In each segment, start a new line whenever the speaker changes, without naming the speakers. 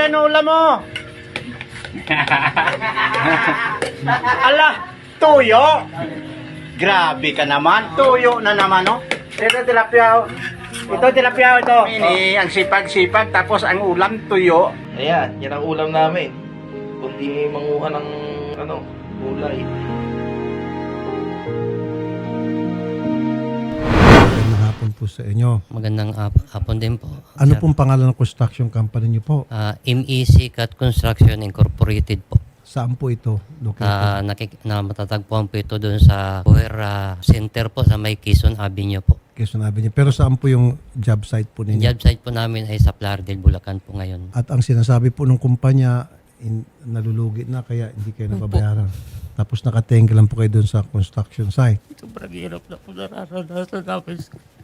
yan ulam mo? Ala, tuyo. Grabe ka naman. Tuyo na naman, no? Ito tilapia. Ito tilapia ito. Ang sipag-sipag tapos ang ulam tuyo.
Ayan, yan ang ulam namin. Kundi manguha ng gulay.
Magandang hapon po sa inyo.
Magandang hapon din po.
Ano
Sir.
pong pangalan ng construction company niyo po?
MEC Cat Construction Incorporated po.
Saan po ito located?
Matatagpuan po ito doon sa Buhera Center po sa may Quezon Avenue po.
Quezon Avenue. Pero saan po yung job site po
Yung
ninyo?
job site po namin ay sa Plaridel, Bulacan po ngayon.
At ang sinasabi po ng kumpanya, nalulugi na kaya hindi kayo nababayaran. Tapos nakatenga lang po kayo doon sa construction site.
Sobrang hirap na po nararanasan namin.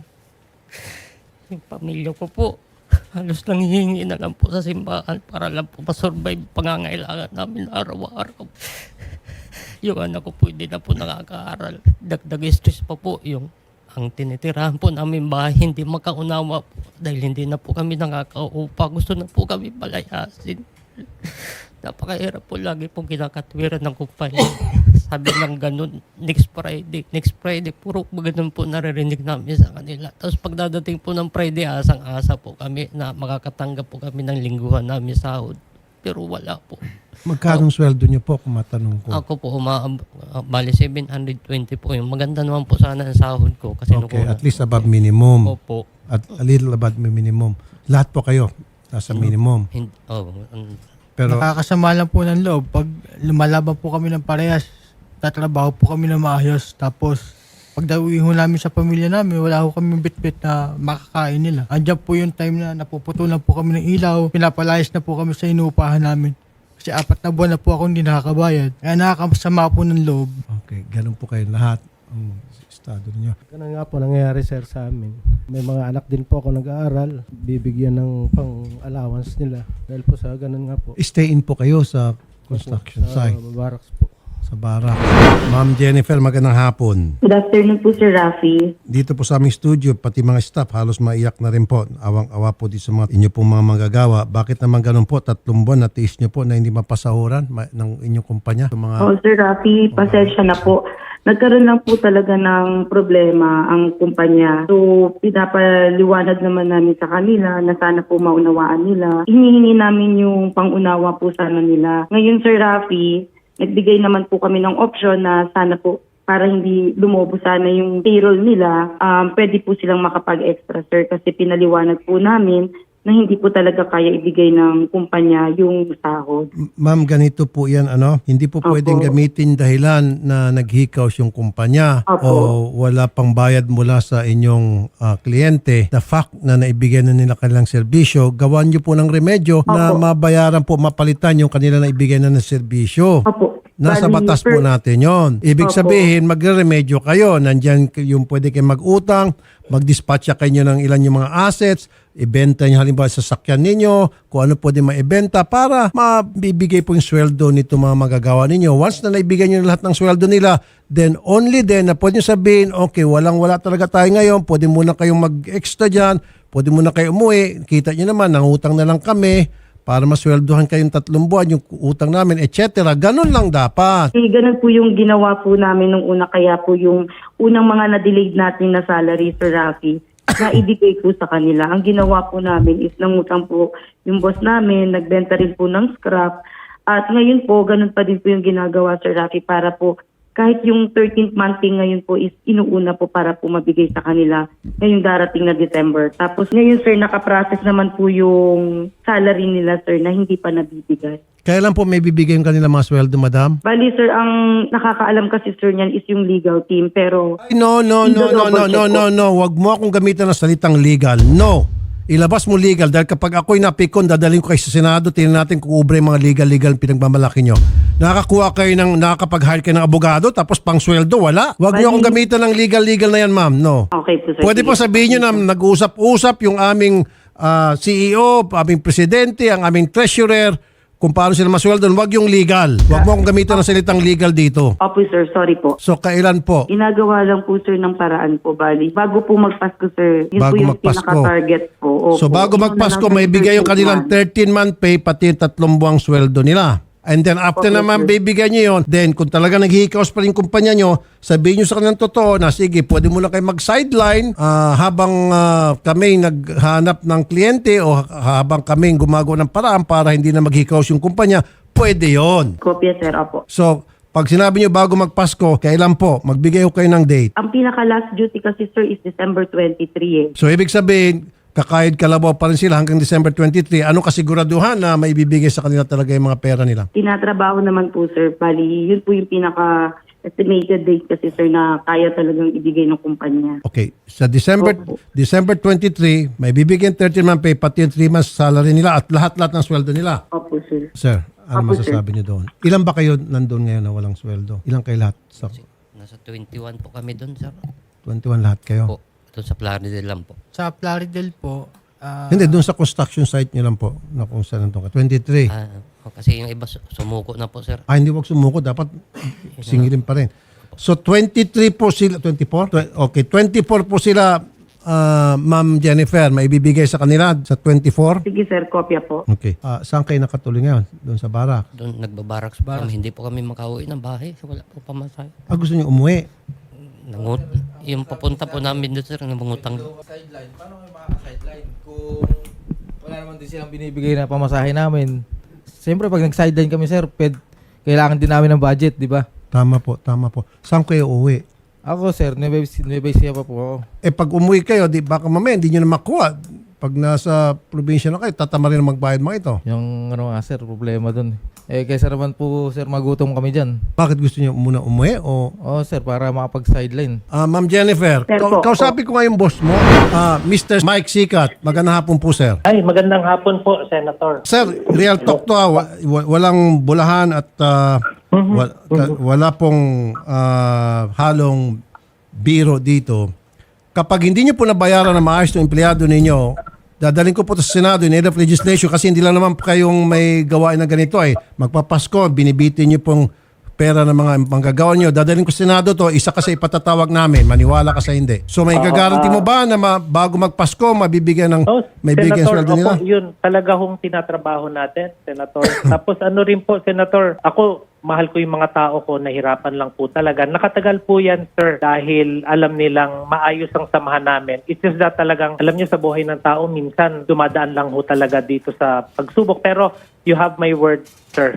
Yung pamilya ko po, halos nanghihingi na lang po sa simbahan para lang po masurvive pangangailangan namin araw-araw. Yung anak ko po hindi na po nakakaaral. Dagdag stress pa po yung ang tinitirahan po namin bahay hindi makaunawa po dahil hindi na po kami nakakaupa. Gusto na po kami palayasin. Napakahirap po lagi pong kinakatwiran ng kumpanya. Sabi ng ganun, next Friday, puro ganun po naririnig namin sa kanila. Tapos pagdadating po ng Friday, asang-asa po kami na makakatanggap po kami ng lingguhan namin sahod. Pero wala po.
Magkano sweldo niyo po kung matanong ko?
Ako po, bali 720 po yung maganda naman po sana ang sahod ko. Kasi
Okay, at least above minimum.
Opo.
At a little above minimum. Lahat po kayo nasa minimum. Pero
Nakakasama lang po ng loob. Pag lumalaban po kami ng parehas, tatrabaho po kami ng maayos. Tapos, pag dawi ho namin sa pamilya namin, wala ho kami bitbit na makakain nila. Andiyan po yung time na napuputulan po kami ng ilaw, pinapalayas na po kami sa inuupahan namin. Kasi 4 na buwan na po ako hindi nakakabayad. Kaya nakakasama po ng loob.
okay, ganun po kayo lahat ang estado niyo.
Ganun nga po nangyayari sir sa amin. May mga anak din po ako nag-aaral, bibigyan ng pang-allowance nila. Dahil po sa ganun nga po.
Stay in po kayo sa construction
Sa
site,
barracks po.
sa barak. Ma'am Jennifer, magandang hapon.
Good afternoon po, Sir Rafi.
Dito po sa aming studio, pati mga staff, halos maiyak na rin po. Awang-awa po dito sa mga inyo pong mga manggagawa. Bakit naman ganun po? 3 buwan na tiis nyo po na hindi mapasahuran ng inyong kumpanya? Mga,
Oh, Sir Rafi, pasensya na po. Nagkaroon lang po talaga ng problema ang kumpanya. So, pinapaliwanag naman namin sa kanila na sana po maunawaan nila. Hinihingi namin yung pangunawa po sana nila. Ngayon, Sir Rafi, nagbigay naman po kami ng option na sana po para hindi lumobo sana yung payroll nila, pwede po silang makapag-extra, sir, kasi pinaliwanag po namin na hindi po talaga kaya ibigay ng kumpanya yung sahod.
Ma'am, ganito po yan, hindi po pwedeng gamitin dahilan na naghikaws yung kumpanya
Opo.
o wala pang bayad mula sa inyong kliyente. The fact na naibigay na nila kanilang serbisyo, gawan nyo po ng remedyo na mabayaran po, mapalitan yung kanila na ibigay na ng serbisyo.
Opo.
Nasa
Bali,
batas po
sir,
natin yon. Ibig
Opo.
sabihin, magre-remedyo kayo. Nandyan yung pwede kayo mag-utang, mag-dispatcha kayo ng ilan yung mga assets, ibenta nyo halimbawa sa sakyan ninyo, kung ano pwede maibenta para mabibigay po yung sweldo nito mga magagawa ninyo. Once na naibigay nyo lahat ng sweldo nila, then only then na pwede nyo sabihin, okay, walang-wala talaga tayo ngayon, pwede muna kayong mag-extra dyan, pwede muna kayo umuwi, kita nyo naman, nangutang na lang kami, para masweldohan kayong 3 buwan yung utang namin, etc. Ganun lang dapat.
ganun po yung ginawa po namin nung una, kaya po yung unang mga na-delayed natin na salary, Sir Rafi, na ibigay po sa kanila. Ang ginawa po namin is nangutang po yung boss namin, nagbenta rin po ng scrap. At ngayon po, ganun pa din po yung ginagawa, Sir Rafi, para po kahit yung 13th month pay ngayon po is inuuna po para po mabigay sa kanila ngayong darating na December. Tapos ngayon, sir, nakaprocess naman po yung salary nila, sir, na hindi pa nabibigay.
Kailan po may bibigay yung kanila mga sweldo, madam?
Bali, sir, ang nakakaalam kasi, sir, niyan is yung legal team. Pero
Ay, no. Huwag mo akong gamitan ng salitang legal. No. Ilabas mo legal dahil kapag ako'y napikon, dadalhin ko kayo sa Senado, tingnan natin kung ubre yung mga legal pinagmamalaki nyo. Nakakakuha kayo nakakapag-hire kayo ng abogado tapos pang sweldo, wala. Huwag nyo akong gamitan ng legal na yan, ma'am. No.
okay po, sir.
Pwede
Sige
po sabihin nyo na nag-usap-usap yung aming CEO, aming presidente, ang aming treasurer, kung paano sila masweldo. Huwag yung legal. Huwag mo akong gamitin ng salitang legal dito.
Opo sir, sorry po.
So, kailan po?
Ginagawa lang po sir ng paraan po, bali. Bago po magpasko sir, yun
Bago
po yung
magpasko.
pinaka-target po. Opo.
So, bago
Yun na
magpasko,
lang,
may bigay yung
13th
kanilang
month.
13-month pay, pati yung 3 buwang sweldo nila. And then after
Okay,
naman
sir.
bibigyan nyo yun, then kung talaga naghihikaos pa rin kumpanya nyo, sabihin nyo sa kanilang totoo na sige, pwede mo na kayo mag-sideline habang kami naghanap ng kliyente o habang kami gumagawa ng paraan para hindi na maghikaos yung kumpanya, pwede yon.
Kopya sir, opo.
So, pag sinabi nyo bago magpasko, kailan po? Magbigay ko kayo ng date.
Ang pinaka-last duty kasi sir is December 23 eh.
So, ibig sabihin, kakayod kalabaw pa rin sila hanggang December 23. Ano kasiguraduhan na may bibigay sa kanila talaga yung mga pera nila?
Tinatrabaho naman po sir, bali. Yun po yung pinaka-estimated date kasi sir na kaya talagang ibigay ng kumpanya.
Okay. Sa December
Opo.
December 23, may bibigyan 13-month pay, pati yung 3 months salary nila at lahat-lahat ng sweldo nila.
Opo sir.
Sir, ano
Opo,
masasabi niyo doon? Ilan ba kayo nandun ngayon na walang sweldo? Ilan kayo lahat? Sa
Nasa 21 po kami doon, sir.
21 lahat kayo?
Po, doon sa Plaridel lang po.
Sa Plaridel po,
Hindi, doon sa construction site niyo lang po na kung saan nandun ka. 23.
Kasi yung iba sumuko na po, sir.
Hindi wag sumuko. Dapat singilin pa rin. So, 23 po sila. 24? Okay, 24 po sila, Ma'am Jennifer. May ibibigay sa kanila sa 24?
Sige sir, kopya po.
Okay. Saan kayo nakatuloy ngayon? Doon sa barak?
Doon nagbabaraks po kami. Hindi po kami makauwi ng bahay. Wala po pamasahe.
Gusto niyo umuwi?
Yung papunta po namin doon, sir, nangungutang.
Sideline, paano kayo makaka-sideline kung wala naman din silang binibigay na pamasahe namin? Siyempre, pag nag-sideline kami, sir, kailangan din namin ng budget, di ba?
Tama po, tama po. Saan kayo uwi?
Ako, sir, Nueva Ecija pa po ako.
Pag umuwi kayo, baka mamaya hindi nyo na makuha. Pag nasa probinsya na kayo, tatama rin na magbayad mga ito.
Yung nga, sir, problema dun. Kaysa naman po, sir, magutom kami dyan.
Bakit gusto niyo muna umuwi? O
Oo, sir, para makapag-sideline.
Ma'am Jennifer,
Sir po.
kausapin ko nga yung boss mo. Mr. Mike Sikat, magandang hapon po, sir.
Ay, magandang hapon po, Senator.
Sir, real talk to. Walang bulahan at wala pong halong biro dito. Kapag hindi niyo po nabayaran na maayos ng empleyado ninyo, dadalhin ko po ito sa Senado in aid of legislation kasi hindi lang naman po kayong may gawain na ganito eh. Magpapasko, binibitin niyo pong pera ng mga manggagawa niyo. Dadalhin ko sa Senado to, isa kasi ipatatawag namin, maniwala ka sa hindi. So may gagaranti mo ba na bago magpasko, mabibigyan ng may bigyan
Senator,
sweldo nila?
ako, yun talaga hong tinatrabaho natin, Senator. Tapos ano rin po, Senator, ako, mahal ko yung mga tao ko, nahirapan lang po talaga. Nakatagal po yan, sir, dahil alam nilang maayos ang samahan namin. It's just that talagang, alam niyo sa buhay ng tao, minsan dumadaan lang ho talaga dito sa pagsubok. Pero you have my word, sir.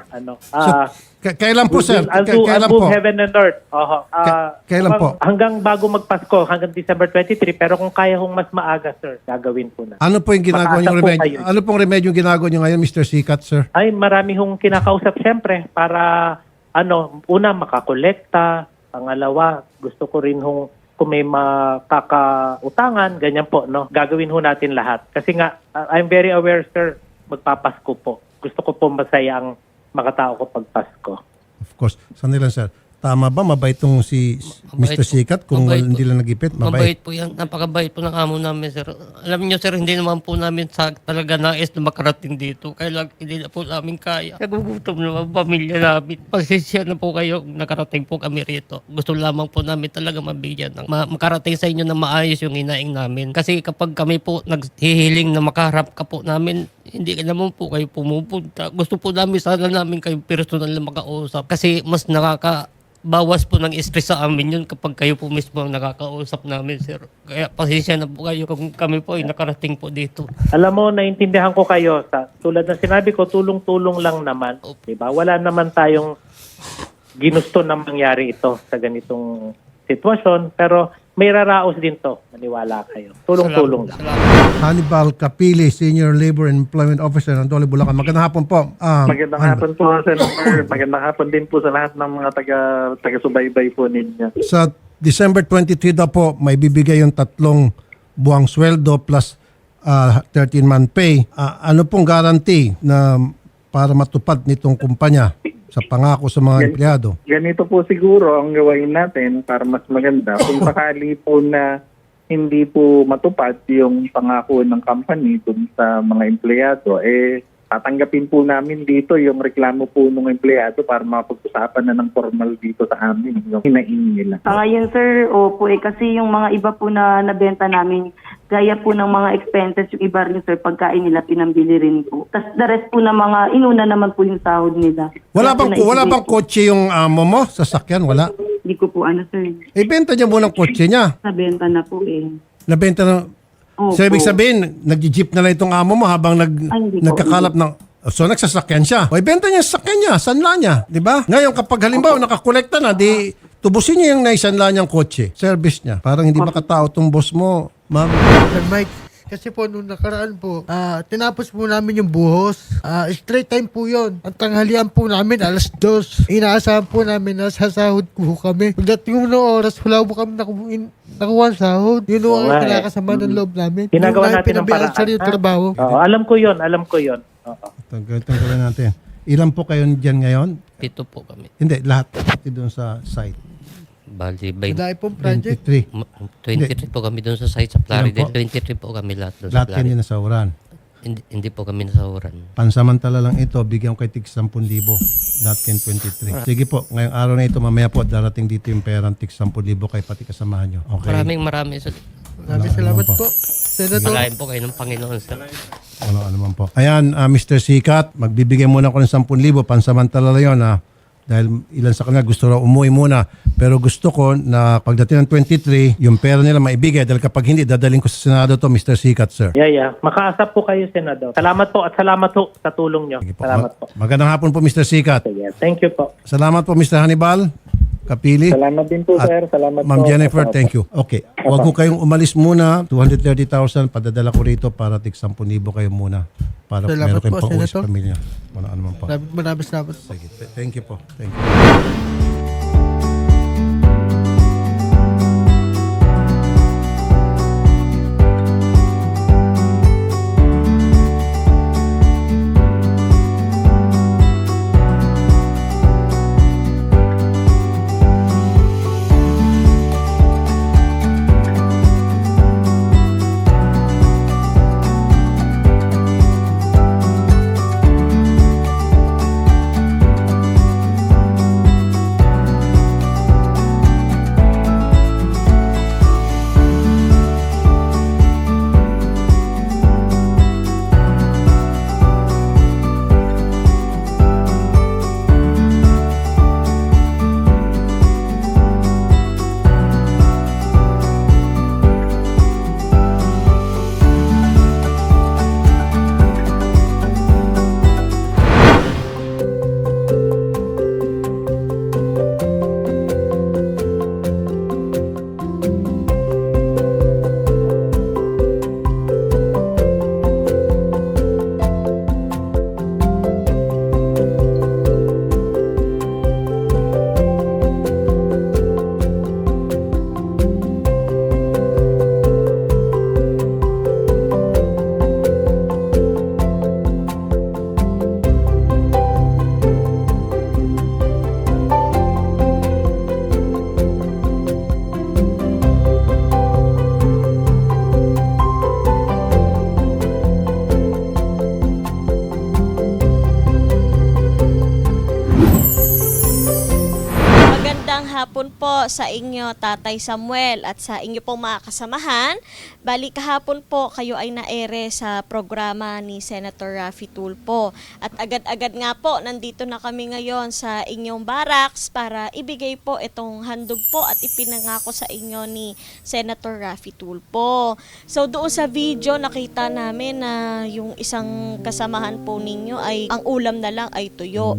Kailan po, sir?
I'll do heaven and earth.
Kailan po?
Hanggang bago magpasko, hanggang December 23. Pero kung kaya hong mas maaga, sir, gagawin po na.
Ano po yung ginagawa
Makaasa
niyong
po
remedyo?
kayo.
Ano pong remedyo yung ginagawa niyo ngayon, Mr. Sikat, sir?
Ay, marami hong kinakausap siyempre para, una, makakolekta. Pangalawa, gusto ko rin hong kung may makakautangan, ganyan po, no? Gagawin ho natin lahat. Kasi nga, I'm very aware, sir, magpapasko po. Gusto ko po masaya ang mga tao ko pag Pasko.
Of course. Saan nila, sir? Tama ba? Mabait tong si
Mabait
Mr.
po.
Sikat kung
Mabait
hindi
po.
lang nagipit?
Mabait po yan. Napakabait po ng amo namin, sir. Alam niyo, sir, hindi naman po namin talaga nais na makarating dito. Kaya lang, hindi na po namin kaya. Nagugutom naman ang pamilya namin. Pasensya na po kayo kung nakarating po kami rito. Gusto lamang po namin talaga mabigyan ng makarating sa inyo na maayos yung hinaing namin. Kasi kapag kami po naghihiling na makaharap ka po namin, hindi ka naman po kayo pumupunta. Gusto po namin sana namin kayo personal na makausap. Kasi mas bawas po ng stress sa amin yun kapag kayo po mismo ang nakakausap namin, sir. Kaya pasensya na po kayo kung kami po ay nakarating po dito.
Alam mo, naintindihan ko kayo. Tulad ng sinabi ko, tulong-tulong lang naman. Diba? Wala naman tayong ginusto na mangyari ito sa ganitong sitwasyon. Pero may raraos din to. Maniwala kayo. Tulong-tulong lang.
Hannibal Capili, Senior Labor and Employment Officer ng Dole, Bulacan. Magandang hapon po.
Magandang hapon po, Senator. Magandang hapon din po sa lahat ng mga taga-subaybay po ninyo.
Sa December 23 daw po, may bibigay yung 3 buwang sweldo plus 13-month pay. Ano pong guarantee na para matupad nitong kumpanya sa pangako sa mga empleyado?
Ganito po siguro ang gawain natin para mas maganda. Kung sakali po na hindi po matupad yung pangako ng company dun sa mga empleyado, tatanggapin po namin dito yung reklamo po ng empleyado para mapag-usapan na ng formal dito sa amin yung hinaing nila.
Ngayon sir, opo kasi yung mga iba po na nabenta namin, gaya po ng mga expenses, yung iba rin sir, pagkain nila pinambili rin po. Tapos the rest po ng mga, inuna naman po yung sahod nila.
Wala
Kaya po
bang
naibigay po.
kotse yung amo mo? Sasakyan? Wala?
Hindi ko po sir,
Ibenta niya muna ang kotse niya.
nabenta na po
Nabenta na.
Opo.
So, ibig sabihin, nag-jeep na lang itong amo mo habang
hindi po.
nagkakalap ng... So, nagsasakyan siya. O, ibenta niya sa sakyan niya, sanla niya. Di ba? Ngayon, kapag halimbawa nakakolekta na, di tubusin niya yung naisanla niyang kotse. Service niya. Parang hindi makatao itong boss mo, ma'am.
Sir Mike, kasi po nung nakaraan po, tinapos po namin yung buhos. Straight time po yun. Ang tanghalian po namin, 2:00. Inaasahan po namin na sasahod po kami. Pagdating mo ng oras, wala po kami nakuha ang sahod. Yun po ang kinakasama ng loob namin.
Ginagawa
Yung
natin ng
pinabayaan
paraan,
sa yung
ha?
trabaho.
Oo, alam ko yon. Oo.
Tanggalin natin. Ilan po kayo dyan ngayon?
7 po kami.
Hindi, lahat. Pati doon sa site.
Bali,
Dahil pong project.
23.
23 po kami doon sa site sa Plaridel.
Ilan po?
23 po kami lahat doon sa
Lahat yan
Plaridel.
din nasawaran.
Hindi po kami nasahuran.
Pansamantala lang ito, bigyan ko kay tig 10,000. Lahat kayo 23. Sige po, ngayong araw na ito, mamaya po, darating dito yung perang tig 10,000 kay pati kasamahan nyo. Okay?
Maraming
Maraming salamat po. Senator.
malayan po kayo ng Panginoon. Sir.
Ano naman po. Ayan, Mr. Sikat, magbibigay muna ko ng 10,000. Pansamantala lang yun, dahil ilan sa kanila gusto raw umuwi muna. Pero gusto ko na pagdating ng 23, yung pera nila maibigay. Dahil kapag hindi, dadaling ko sa Senado to, Mr. Sikat, sir.
Yeah. Makaasap po kayo, Senador. Salamat po at salamat po sa tulong nyo.
Sige po.
Salamat po.
Magandang hapon po, Mr. Sikat.
Sige, thank you po.
Salamat po, Mr. Hannibal Kapili.
Salamat din po,
At
sir. Salamat
Ma'am
po.
Jennifer, thank you. Okay. Huwag ko kayong umalis muna. 230,000, padadala ko rito para tig 10,000 kayo muna. Para
Salamat
meron kayong
po,
pauwi sa
Senator.
pamilya. Ano naman po.
Maraming salamat.
Sige. Thank you po. Thank you.
Magandang hapon po sa inyo, Tatay Samuel, at sa inyo pong mga kasamahan. Bali kahapon po kayo ay naere sa programa ni Senator Raffy Tulfo. At agad-agad nga po, nandito na kami ngayon sa inyong barracks para ibigay po itong handog po at ipinangako sa inyo ni Senator Raffy Tulfo. So doon sa video, nakita namin na yung isang kasamahan po ninyo ay ang ulam na lang ay tuyo.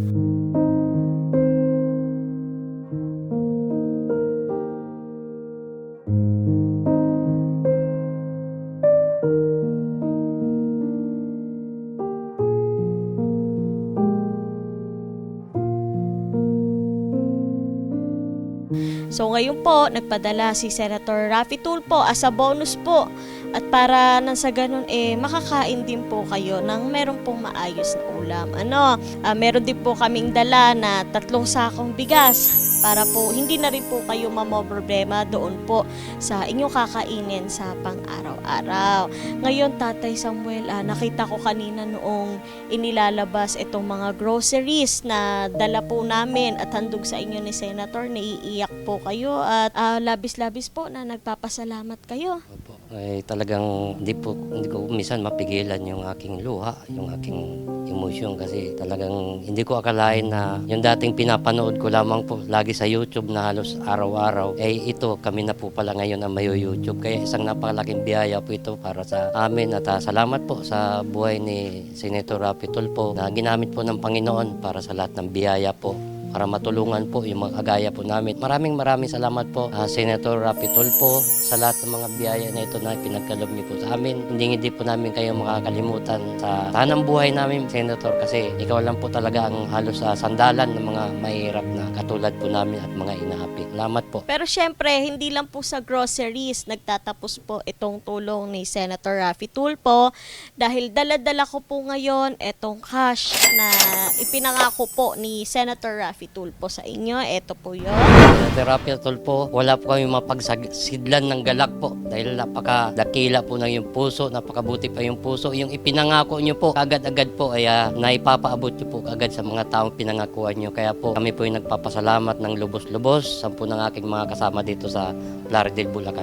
So ngayon po, nagpadala si Senator Raffy Tulfo as a bonus po At para nang sa ganun makakain din po kayo ng meron pong maayos na ulam. Meron din po kaming dala na 3 sakong bigas para po hindi na rin po kayo problema doon po sa inyong kakainin sa pang-araw-araw. Ngayon, Tatay Samuel, nakita ko kanina noong inilalabas itong mga groceries na dala po namin at handog sa inyo ni Senator, naiiyak po kayo at labis-labis po na nagpapasalamat kayo.
Opo. Talagang hindi ko minsan mapigilan yung aking luha, yung aking emosyon kasi talagang hindi ko akalain na yung dating pinapanood ko lamang po lagi sa YouTube na halos araw-araw, ito kami na po pala ngayon ang mayo YouTube. Kaya isang napakalaking biyaya po ito para sa amin at salamat po sa buhay ni Senator Rafi Tulfo na ginamit po ng Panginoon para sa lahat ng biyaya po, para matulungan po yung mga agaya po namin. Maraming salamat po Senator Rafi Tulfo sa lahat ng mga biyaya na ito na pinagkaloob niyo po sa amin. Hindi po namin kayo makakalimutan sa tanang buhay namin, Senator, kasi ikaw lang po talaga ang halos sandalan ng mga mahirap na katulad po namin at mga inaapi. Salamat po.
Pero syempre, hindi lang po sa groceries nagtatapos po itong tulong ni Senator Rafi Tulfo dahil dala-dala ko po ngayon itong cash na ipinangako po ni Senator Rafi Tulfo sa inyo. Ito po yun.
Senator Rafi Tulfo, wala po kami mapagsidlan ng galak po dahil napakadakila po ng yung puso, napakabuti pa yung puso. Yung ipinangako nyo po, agad-agad po ay naipapaabot nyo po agad sa mga taong pinangakuan nyo. Kaya po kami po yung nagpapasalamat ng lubos-lubos sa ng aking mga kasama dito sa Plaridel, Bulacan.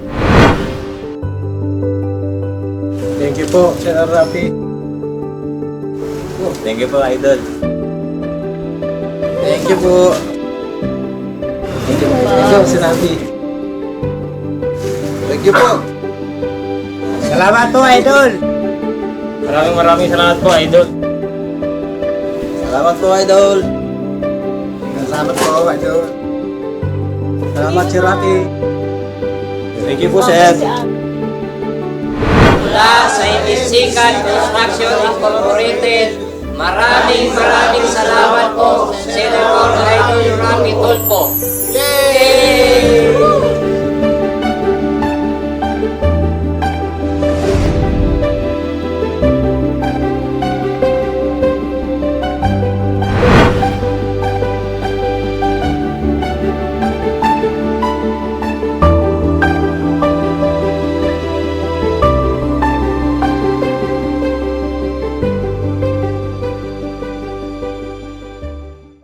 Thank you po, Senator Rafi. Thank you po, Idol.
Thank you po.
Thank you po, Senator.
Thank you po.
Salamat po, Idol.
Maraming salamat po, Idol.
Salamat po, Idol.
Salamat po, Idol. Salamat, Sir Rafi.
Thank you po, sir.
Mula sa Isikan Construction Incorporated, maraming salamat po, Senator Idol Rafi Tulfo.